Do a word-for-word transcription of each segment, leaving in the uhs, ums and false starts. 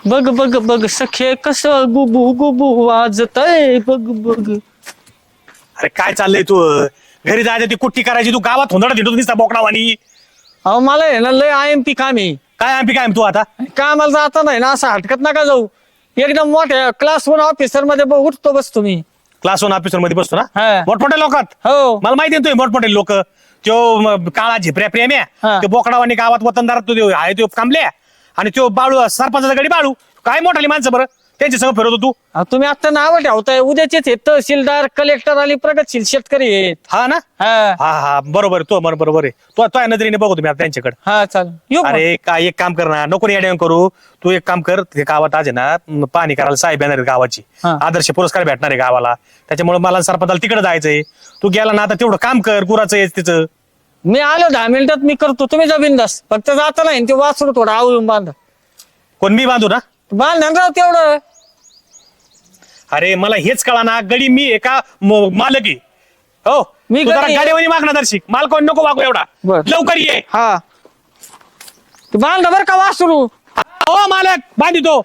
बघ बघ बघ सखे कस गुबू गुबू वाजतय बघ बघ. अरे काय चाललंय तू घरी जायचं ती कुट्टी करायची तू गावात होणार तिथं दिसता बोकडावानी. अहो मला आहे ना लय आय एम पी काम आहे. काय आम्ही काय तू आता कामाला जाता नाही ना असं हटकत नका जाऊ. एकदम मोठ्या क्लास वन ऑफिसर मध्ये ब- उठतो बस तुम्ही. क्लास वन ऑफिसर मध्ये बसतो ना हा. मोठमोठ्या लोकात. हो मला माहिती आहे तुम्ही मोठमोठे लोक त्यो म, काळा झिपऱ्या प्रेम्या हा. त्यो बोकडावानी गावात वतनदारात तो त्यो आहे तो कांबल्या आणि त्यो बाळू सरपंचाचा गडी बाळू काय मोठाली माणसं बरं त्यांच्या सगळं फिरवतो तू. अहो, तुम्ही आता नाव ठेवताय उद्याचेच आहेत तहसीलदार कलेक्टर आणि प्रगतशील शेतकरी आहेत. हा ना हा हा हा बरोबर आहे, तो बरोबर बरोबर आहे तो तो नजरेने बघू तुम्ही आता त्यांच्याकडे. हा चाल येऊ मग. अरे काय एक काम कर ना नको येड्या करू तू एक काम कर ते गावात आज आहे ना म, पाणी करायला साहेब येणार आहेत गावाची हा. आदर्श पुरस्कार भेटणार आहे गावाला त्याच्यामुळे मला सरपंचाला तिकडे जायचंय. तू गेला ना आता तेवढं काम कर गुराचं आहे तिचं. मी आलो दहा मिनिटात मी करतो तुम्ही जा बिंदास फक्त जाता नाही ते वाचलो थोडं आवळून बांधा. कोण मी बांधू ना. बांधा ना राव तेवढं. अरे मला हेच कळा ना गडी मी आहे का म- मालक आहे. हो मी तू जरा गडी आहे. गाडीवानी मागणार दर्शिक माल कोण नको वागू एवढा बर. लवकर ये. हा ते बांधा बर का वासरू. हो मालक बांधितो.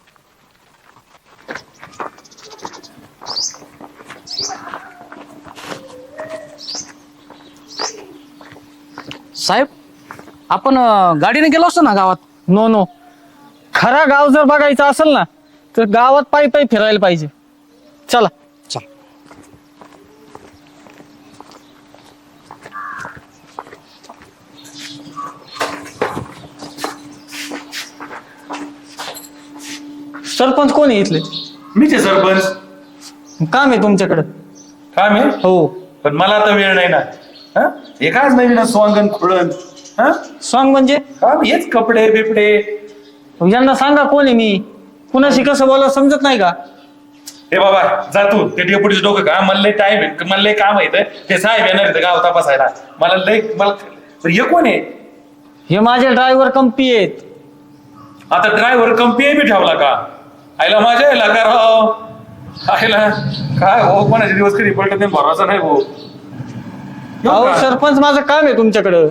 साहेब आपण अं, गाडीने गेलो असतो ना गावात. नो नो खरा गाव जर बघायचा असेल ना तर गावात पायी पायी फिरायला पाहिजे. चला चल. सरपंच कोण आहे इथले. मीच आहे सरपंच. काम आहे तुमच्याकडे. काम आहे हो पण मला आता वेळ नाही ना. हा? हे काय नवीन स्वांगण खुळण हा सॉंग म्हणजे काम हेच कपडे बिपडे. यांना सांगा कोण आहे मी कुणाशी कसं बोला समजत नाही का. हे बाबा जा तू ते डेपुटीचं डोकं का मला लय टाइम आहे मला लय काम आहे इथं. ते साहेब येणार इथं गाव तपासायला मला लय मला पण हे कोण आहे हे माझे ड्रायव्हर कंपी आहेत. आता ड्रायव्हर कंपी बी ठेवला का आयला माझ्या यायला का राव आयला काय हो कोणाचे दिवस कधी पडलं ते भरोसा नाही हो. अहो सरपंच माझं काम आहे तुमच्याकडं.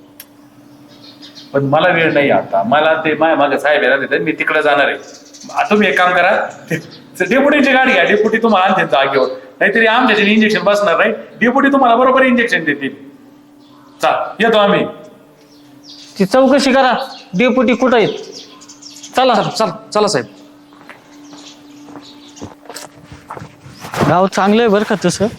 पण मला वेळ नाही आता मला ते माय मागे साहेब येणार तिथे मी तिकडे जाणार आहे. आता तुम्ही एक काम करा डेपुटीची गाडी घ्या डेपुटी तुम्हाला आणते जागेवर नाहीतरी आमच्या इंजेक्शन बसणार नाही डेपुटी तुम्हाला बरोबर इंजेक्शन देतील. चाल येतो आम्ही. ती चौकशी करा डेपुटी कुठं आहेत. चला चल चला साहेब. गाव चांगलं आहे बरं का तसं.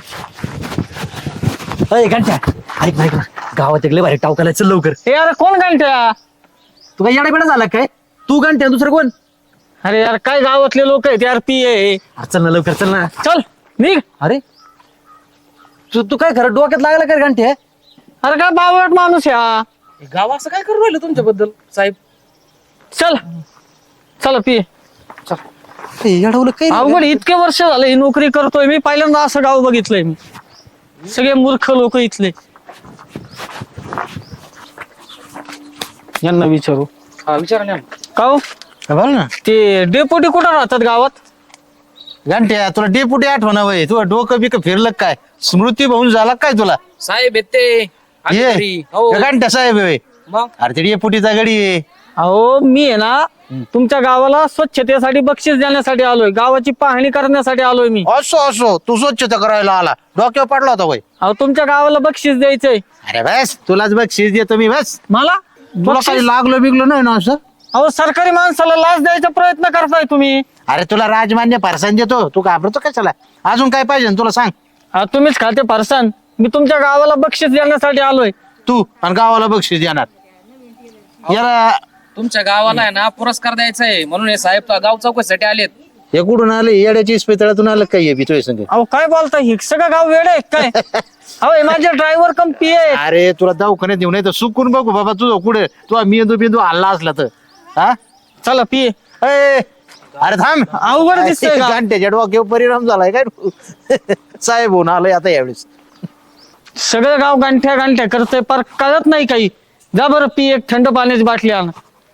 अय घंट्या ऐक ऐक ना गावात एक लय भारी टावकाला चल लवकर. हे यार कोण घंट्या. तू काय येडा बेडा झाला काय तू घंट्या दुसरं कोण. अरे यार काय गावातले लोक आहेत यार पी आहे. अरे चल ना लवकर चल ना. चल निघ. अरे तू तू काय खरं डोक्यात लागला काय घंट्या. अरे काय बावट माणूस या. गाव असं काय करू राहिलं तुमच्याबद्दल साहेब. चल चला पी. येडवलं काय अवघड इतके वर्ष झाले ही नोकरी करतोय मी पहिल्यांदा असं गाव बघितलंय मी. सगळे मूर्ख लोक इथले. यांना विचारू हा विचारा ना. का हो? बोल ना ते डेपुटी कुठं राहतात गावात. घंट्या तुला डेपुटी आठवण वय तुला डोकं बिकं फिरलं काय स्मृती भाऊन झाला काय तुला. साहेब येत ते ये अधिकारी. हो घंट्या साहेब आहे. मग अरे ते डेपुटीचा गडी आहे. अहो मी आहे ना तुमच्या गावाला स्वच्छतेसाठी बक्षीस देण्यासाठी आलोय गावाची पाहणी करण्यासाठी आलोय मी. असो असो तू स्वच्छता करायला आला डोक्यावर पडला होता वय. अहो तुमच्या गावाला बक्षीस द्यायचंय अरे बस तुलाच बक्षीस देतो मी बस. मला. तुला बक्षीस? काही लागलो बिगलो नाही ना असं. अहो सरकारी माणसाला लाच द्यायचा प्रयत्न करताय तुम्ही. अरे तुला राजमान्य फारसान देतो तू घाबरतो कशाला अजून काय पाहिजे तुला सांग. अहो, तुम्हीच खाते फरसान मी तुमच्या गावाला बक्षीस देण्यासाठी आलोय. तू आणि गावाला बक्षीस देणार याला. तुमच्या गावाला आहे ना पुरस्कार द्यायचा आहे म्हणून हे साहेब तो गाव चौकशीसाठी आलेत. हे कुठून आले येड्याच्या इस्पितळातून आलं काय भितोय संग. अहो काय बोलताय हे सगळं गाव वेळ आहे काय. अहो हे माझे ड्रायव्हर कंपी आहे. अरे तुला दवाखान्यात नेऊ नाही तर सुकून बघू बाबा तुझं कुठे तू मेंदू बिंदू हल्ला असला तर हा. चला पी. ए, अरे थांब अवघड दिसतंय का? घंट्याच्या डोक्यावर परिणाम झालाय काय साहेब होऊन आलोय आता यावेळेस. सगळं गाव गांठ्या गांठ्या करतोय पर कळत नाही काही. जा बरं पी एक थंड पाण्याची बाटली आण.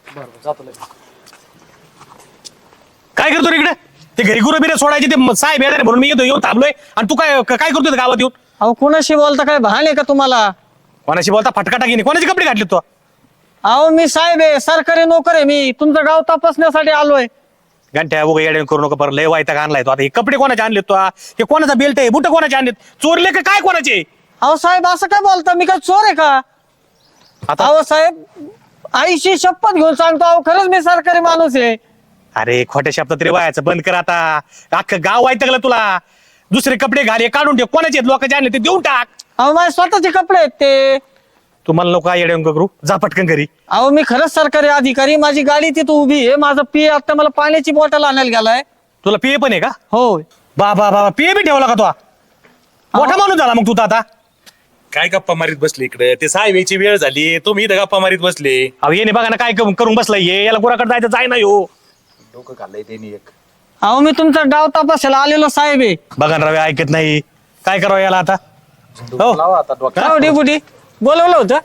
काय करतो रे इकडे ते घरी गुरु बिरे सोडायचे ते म- साहेब येणार आहे म्हणून मी येतो येऊन थांबलोय आणि तू काय काय करतोय इथं गावात येऊन. अहो कोणाशी बोलता काय भान आहे का तुम्हाला. कोणाशी बोलता फटका टाकीने कोणाचे कपडे घातले तो. अहो मी साहेब आहे, सरकारी नोकर आहे मी. तुमचं गाव तपासण्यासाठी आलोय. घंट्या उगा येड्या करू नका, बरं लय वायता आणलाय तो. आता हे कपडे कोणाचे आणलेत तो? हे कोणाचा बेल्ट आहे? बुट कोणाचे आणलेत? चोरले का काय कोणाचे? अहो साहेब असं काय बोलता, मी काय चोर आहे का? आता अहो साहेब आईशी शपथ घेऊन सांगतो, अहो खरंच मी सरकारी माणूस आहे. अरे खोट्या शब्दात तरी वायाचं बंद कर आता. अख्खं गाव वायतगलं तुला. दुसरे कपडे घाल, हे काढून ठेव. कोणाचे आहेत लोकांचे आणले ते देऊन टाक. अहो माझे स्वतःचे कपडे आहेत ते. तुम्हाला नको काय येड्या करू, जा पटकन घरी. अहो मी खरंच सरकारी अधिकारी, माझी गाडी तिथं उभी आहे. माझा पी आता मला पाण्याची बॉटल आणायला गेलाय. तुला पिये पण आहे का? होय. बाबा बाबा पिये बी ठेवला का तो? मोठा माणूस झाला मग तू तर आता. काय गप्पा मारीत बसले इकडे? ते साहेबाची वेळ झाली, तुम्ही इथं गप्पा मारीत बसले. अहो येणे बघा ना काय करून करून बसलाय हे. याला गुराकडे जायचं जाय ना हो. डोकं खाल्लंय त्यांनी एक. अहो मी तुमचा गाव तपासायला आलेलो साहेब आहे. बघा ना रवी ऐकत नाही. काय करावं याला आता? हो हो डेपुटी बोलवलं होतं.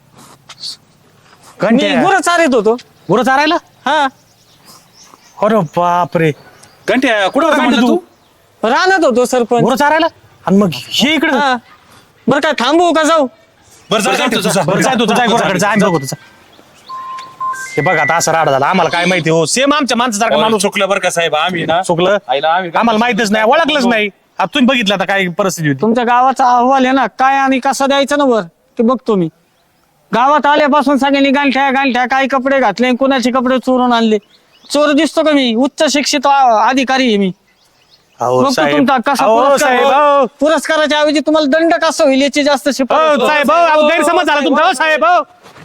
मी घंट्या गुरं चारित होतो. गुरं चारायला? हा अरे बापरे. घंट्या कुठं होता म्हणलं तू? राहणार होतो सरपंच. गुरं चारायला? आणि मग हे इकडे हा बरं काय थांबू का जाऊ? बरं जा, बरं जा, जा, बरं जाय तू जाय गुराकडे जाय बघू तुझा. हे बघा आता असं राडा झाला. आम्हाला काय माहिती हो, सेम आमच्या माणसासारखा माणूस माणूस चुकलं बरं का साहेब, आम्ही ना चुकलं. आईला आम्ही आम्हाला माहितच नाही, ओळखलंच नाही. आता तुम्ही बघितलं आता काय परिस्थिती होती. तुमच्या गावाचा अहवाल आहे ना, काय आणि कसा द्यायचा ना वर ते बघतो मी. गावात आल्यापासून सगळ्यांनी गांठ्या गांठ्या काय कपडे घातले, कुणाचे कपडे चोरून आणले. चोर दिसतो का मी? उच्च शिक्षित आ- अधिकारी आहे मी. अहो बघतो साहेब, तुमचा कसा अहो पुरस्कार साहेब, हो. अहो. पुरस्काराच्या ऐवजी तुम्हाला दंड कसा होईल याची जास्त अहो शिफारस. साहेब, अहो, अहो, गैरसमज झाला तुमचा. अहो साहेब, अहो.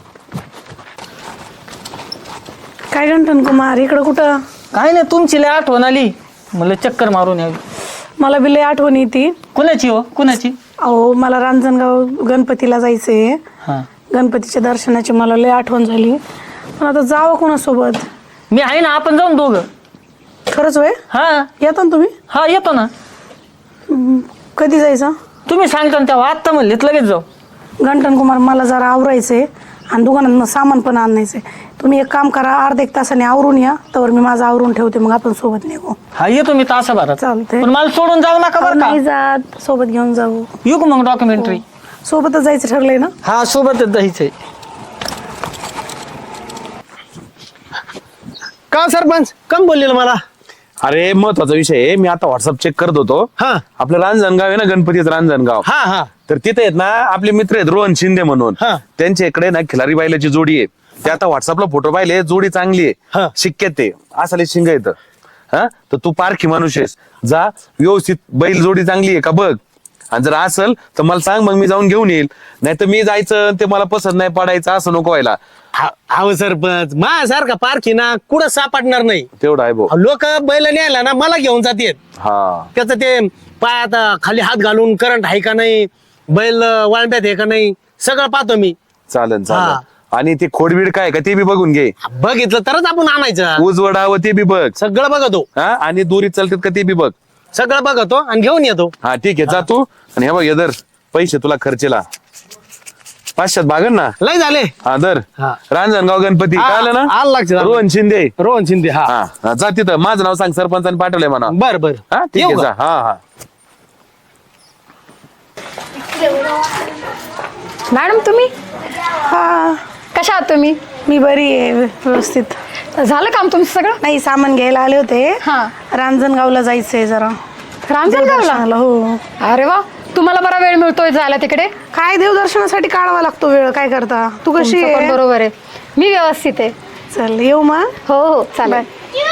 काय गंठन कुमार इकडं कुठं? काय नाही, तुमची लय आठवण आली, मला चक्कर मारून यावी. मला बी लय आठवण येते. कुणाची हो कुणाची? अहो मला रांजणगाव गणपतीला जायचंय. हा गणपतीच्या दर्शनाची मला लय आठवण झाली, पण आता जावं कोणासोबत? मी आहे ना, आपण जाऊन दोघं. खरंच वय? हा येता ना तुम्ही? हा येतो ना. कधी जायचं? तुम्ही सांगता ना तेव्हा, आत्ता म्हणलेत लगेच जाऊ. गंठन कुमार मला जरा आवरायचंय आणि दुकानात सामान पण आणायचंय. तुम्ही एक काम करा, अर्धा एक तासाने आवरून या, तर मी माझं आवरून ठेवते, मग आपण सोबत निघू. हा येतो मी तासाभरात. चालतंय. पण मला सोडून जाऊ नका बरं का. नाही जात, सोबत घेऊन जाऊ. येऊ का मग डॉक्युमेंटरी? सोबतच जायचं ठरलंय ना? हा सोबतच जायचंय. का सरपंच कम बोललेलं मला? अरे महत्वाचा विषय आहे. मी आता व्हॉट्सअप चेक करत होतो. हा आपलं रांजणगाव आहे ना, गणपतीचं रांजणगाव. हा हा तर तिथे आहेत ना आपले मित्र आहेत रोहन शिंदे म्हणून. हा. त्यांच्या इकडे ना खिलारी बायलाची जोडी आहे. ते आता व्हॉट्सअपला फोटो पाहिले, जोडी चांगली हा. आहे. शिक्क्यात ते असले शिंग येतं. हा तर तू पारखी माणूस आहेस, जा व्यवस्थित बैल जोडी चांगली आहे का बघ. आणि जर असेल तर मला सांग, मग मी जाऊन घेऊन येईल. नाही तर मी जायचं ते मला पसंत नाही पडायचं असं नको व्हायला. अहो सरपंच, माझ्यासारखा पारखी ना कुठं सापडणार नाही. तेवढं आहे भाऊ. लोक बैल न्यायला ना मला घेऊन जातात. हा त्याचं ते पायात खाली हात घालून करंट आहे का नाही, बैल वाळब्यात आहे का नाही, सगळं पाहतो मी. चालेल हा. चालेल. आणि ते खोडबीड काय का ते बी बघून घे. बघितलं तरच आपण आणायचं. उजवडावं ते बी बघ. सगळं बघतो, हा आणि दोरीत चालतात का ते बी बघ. सगळं बघतो आणि घेऊन येतो. हा ठीक आहे, जा तू. आणि हे बघ हे दर पैसे तुला खर्चेला पाचशेत भागन ना. लय झाले. हा दर हा. रांजणगाव गणपती हा, कळलं ना. आलं लक्षात. रोहन शिंदे. रोहन शिंदे. हा हा हा, जा तिथं. माझं नाव सांग, सरपंचाने पाठवलंय म्हणा. बर बर. हा ठीक आहे, जा. हा हा मॅडम तुम्ही हा कशा आहात तुम्ही? मी बरी आहे, व्यवस्थित. झालं काम तुमचं सगळं? नाही, सामान घ्यायला आले होते. हा. रांजणगावला जायचंय जरा. रांजणगावला? देवदर्शनाला, हो. अरे वा, तुम्हाला बरा वेळ मिळतोय जायला तिकडे. काय देवदर्शनासाठी काढावा लागतो वेळ, काय करता? तू कशी तुमचं पण आहे? बरोबर आहे. मी व्यवस्थित आहे. चल येऊ मग. हो हो चालेल.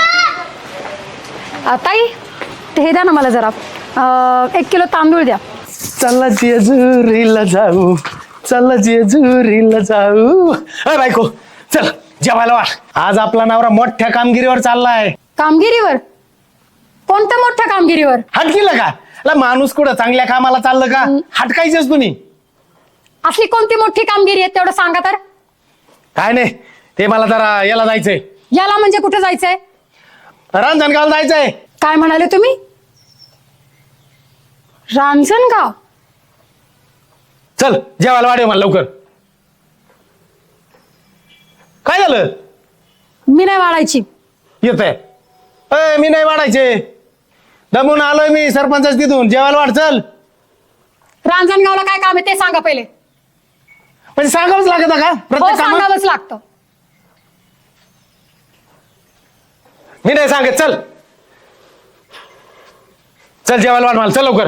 अ, ताई ते हे द्या ना मला जरा. अ, एक किलो तांदूळ द्या. चला जेजुरीला जाऊ, चला जेजुरीला जाऊ. अरे बायको चल जेवायला वाट. आज आपला नवरा मोठ्या कामगिरीवर चाललाय. कामगिरीवर? कोणत्या मोठ्या कामगिरीवर? हटकीला का? ला माणूस कुठं चांगल्या कामाला चाललं का? हटकायचेच तुम्ही. असली कोणती मोठी कामगिरी आहे तेवढं सांगा तर. काय नाही, ते मला जरा याला जायचंय. याला म्हणजे कुठे जायचंय? रांजणगावला जायचंय. काय म्हणाले तुम्ही? रांजणगाव? चल जेवायला वाढेल मला लवकर. काय झालं? मी नाही वाढायची. येत आहे. मी नाही वाढायचे. दमून आलोय मी सरपंच तिथून. जेवायला वाढ चल. रांजणगावला काय काम आहे ते सांगा पहिले. पण सांगावंच लागत का हो प्रत्येक कामात? सांगावंच लागतं. मी नाही सांगत. चल चल जेवायला वाढ मला. चल लवकर.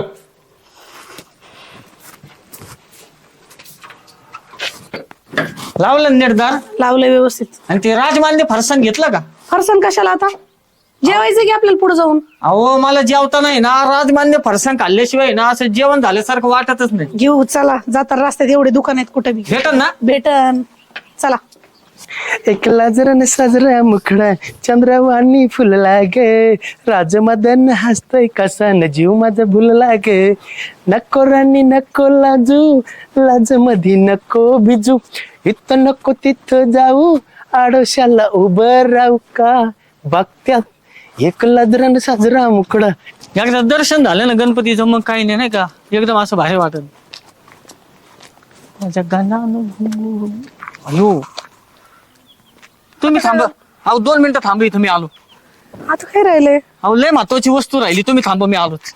लावलं नेटदार लावलंय व्यवस्थित. आणि ते राजमान्य फरसाण घेतलं का? फरसाण कशाला आता? जेवायचं की आपल्याला पुढे जाऊन. अहो मला जेवता नाही ना, राजमान्य फरसाण खाल्ल्याशिवाय ना असं जेवण झाल्यासारखं वाटतच नाही. घेऊ चला. जाता रस्त्यात एवढे दुकान आहेत कुठे बी. भेटन ना? भेटन. चला. एकला जरा साजरा मुखडा चंद्रवाणी फुलला गे राजमदन हसतय कसा न जीव माझा भुलला गे नको राणी नको लाजू लाज मधी नको भिजू इथं नको तिथं जाऊ आडोशाला उभं राहू का बघत्यात एकला जरा साजरा मुखडा. एकदा दर्शन झालं ना गणपतीचं मग काही नाही नाही का, एकदम असं भारी वाटत. माझ्या गाण्यानं अयो तुम्ही थांबा. अहो दोन मिनिटं थांबा, इथं मी आलो. आता काय राहिले? अहो लय महत्वाची वस्तू राहिली, तुम्ही थांबा, मी आलोच.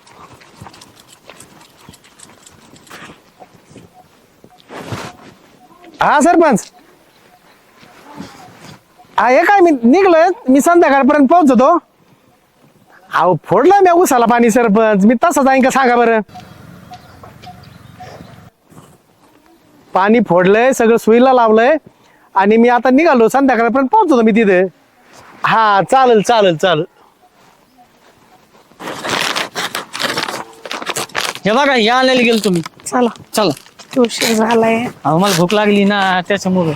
हा सरपंच. हा हे काय मी निघलोय, मी संध्याकाळपर्यंत पोहोचतो. अहो फोडलं मी उसाला पाणी सरपंच. मी तसं जाईन का सांगा बरं. पाणी फोडलंय सगळं सुईला लावलंय आणि मी आता निघालो, संध्याकाळपर्यंत पोहोचतो मी तिथे. हा चालेल चालेल चालेल. हे बघा या आणायला गेलो तुम्ही. चला. चला. उशीर झालाय. अहो मला भूक लागली ना त्याच्यामुळे.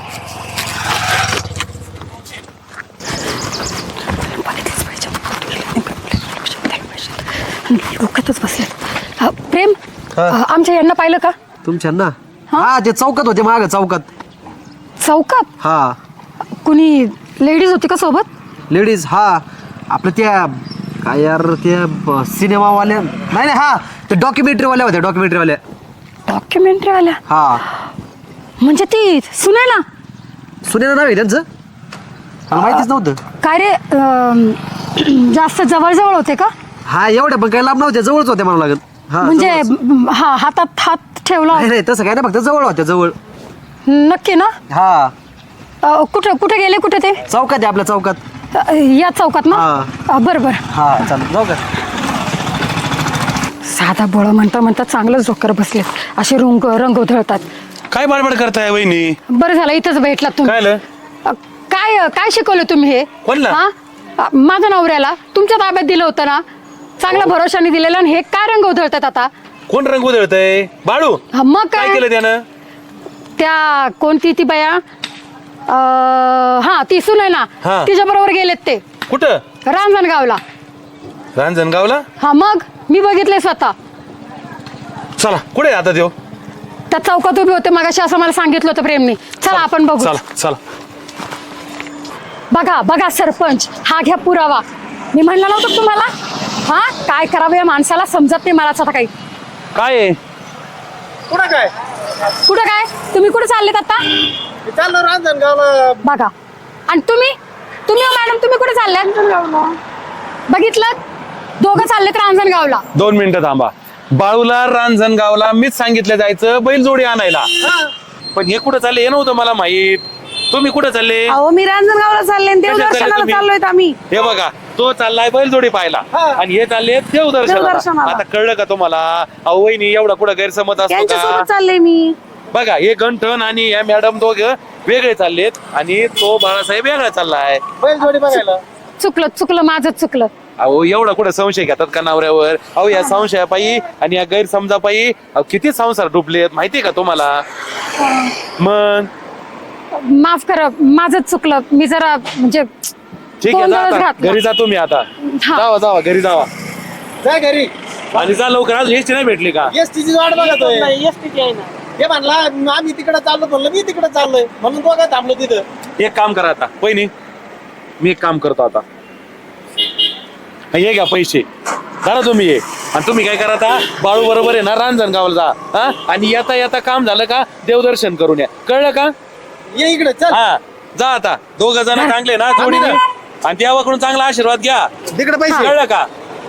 डोक्यातच बसले. अ, प्रेम अ, आमच्या यांना पाहिलं का? तुमच्या ना हा ते चौकात होते माग चौकात. चौकात? हा कुणी लेडीज होती का सोबत? लेडीज. हा आपलं त्या काय यार त्या ब- सिनेमावाल्या नाही नाही हा ते डॉक्युमेंटरी वाल्या होत्या. डॉक्युमेंटरी वाल्या. डॉक्युमेंटरी आल्या हा म्हणजे ती सुने ना? सुनेला नाव आहे त्यांचं? मला माहितीच नव्हतं. काय रे अं, जास्त जवळ जवळ होते का? हा एवढ्या पण काही लांब नव्हत्या, जवळच होत्या मला लागत. हा म्हणजे जवळच. हा हातात हात ठेवला नाही नाही तसं काय नाही, फक्त जवळ होत्या जवळ. नक्की ना? हा अ, कुठं कुठे गेले कुठे ते? चौकात आहे आपल्या चौकात. अ, या चौकात ना? हा. अ, बरं बरं. हा चालेल जाऊ का. साधा बोळा म्हणता म्हणता चांगलंच डोकर बसले. असे रंग रंग उधळतात. काय बडबड करताय वहिनी? बरं झालं इथंच भेटला तुम्ही. काय आलं? अ, काय काय शिकवलं तुम्ही हे? कोणला? हा? अ, माझ्या नवऱ्याला तुमच्या ताब्यात दिलं होतं ना, चांगल्या भरोशाने दिलेलं, आणि हे काय रंग उधळतात आता? कोण रंग उधळतय? बाळू. हा, मग काय काय? केलं त्यानं? त्या कोणती ती बाया अ, हा ती सुन आहे ना, हा. तिच्या बरोबर गेलेत ते कुठं? रांजणगावला. रांजणगावला? हा मग मी बघितले स्वतः. चला कुठे आहे आता त्यो? त्या चौकात उभे होते मगाशी, असं मला सांगितलं होतं प्रेमनी. चला आपण बघू. चला चला. बघा बघा सरपंच, हा घ्या पुरावा. मी म्हणलं नव्हतं तुम्हाला? हा काय करावं या माणसाला समजत नाही मलाच आता काही. काय आहे? कुठं काय कुठं काय? तुम्ही कुठे चाललेत आता? चाललो रांजणगावला. बघा. आणि तुम्ही तुम्ही हो मॅडम, तुम्ही कुठे चालल्यात? बघितलं, दोघं चाललेत रांजणगावला. दोन मिनिटं थांबा. बाळूला रांजणगावला मीच सांगितलं जायचं बैलजोडी आणायला, पण हे कुठं चालले हे नव्हतं मला माहित. तुम्ही कुठं चालले? अहो मी रांजणगावला चालले आणि कशात चालले देवदर्शनाला तुम्ही? चाललोय आम्ही. हे बघा, तो चाललाय बैलजोडी पाहायला आणि हे चालले देवदर्शनाला. देवदर्शनाला. आता कळलं का तुम्हाला? अहो वहिनी एवढा कुठं गैरसमज असतो का? त्यांच्यासोबत चालले मी. बघा हे गंठन आणि या मॅडम दोघं वेगळे चाललेत आणि तो बाळासाहेब वेगळा चाललाय. बैलजोडी बघायला. चुकलं चुकलं माझं चुकलं. अहो एवढा कुठं संशय घेतात का नवऱ्यावर? अहो या संशयापायी आणि या गैरसमजापायी अहो किती संसार डुबलेत माहितीये का तुम्हाला? मग माफ करा, माझंच चुकलं. मी जरा म्हणजे ठीक आहे, जा गोंधळच आता. घातला. घरी जा तुम्ही आता. हा. जावा जावा घरी जावा जा घरी. आणि जा लवकर. आज एसटी नाही भेटली का? एस टीची वाट बघतोय. हे म्हणला आम्ही तिकडे चाललो, म्हणलं मी तिकडे चाललोय म्हणून तो काय थांबलो तिथं. एक काम करा आता वहिनी, मी एक काम करतो आता. हे घ्या पैसे, करा तुम्ही ये. आणि तुम्ही काय करा आता, बाळू बरोबर आहे ना रांजणगावला जा. हा आणि येता येता काम झालं का देवदर्शन करून या. कळलं का? ये इकडे चल. हा जा आता. दोघ जण चांगले ना जोडीने, आणि देवाकडून चांगला आशीर्वाद घ्या. तिकडे पैसे. कळलं का?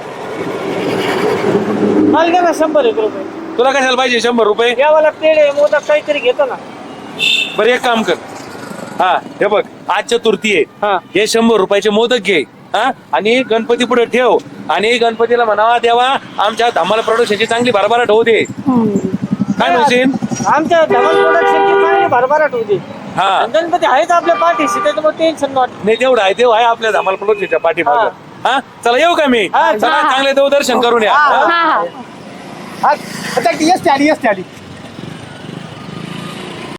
मला द्या ना शंभर एक रुपये. तुला कशाला पाहिजे शंभर रुपये? यावाला पेढे मोदक काहीतरी घेतो ना. बरं एक काम कर, हा हे बघ आज चतुर्थी हा. आहे हे शंभर रुपयाचे मोदक घे हा आणि गणपती पुढे ठेव आणि गणपतीला म्हणावा देवा आमच्या धमाल प्रोडक्शनची चांगली भरभराट होऊ दे काय म्हणशील आमच्या धवन प्रोडक्शनची चांगली भरभराट होती हा गणपती आहेच आपल्या पाठीशी त्याच्यामुळे टेन्शन नॉट. नाही तेवढं आहे तेव्हा आहे आपल्या धमाल प्रोडक्शनच्या पाठीमागं हा चला येऊ का मी हा, चला हा. चांगले देव दर्शन करून या हा हा एस टी आली एस टी आली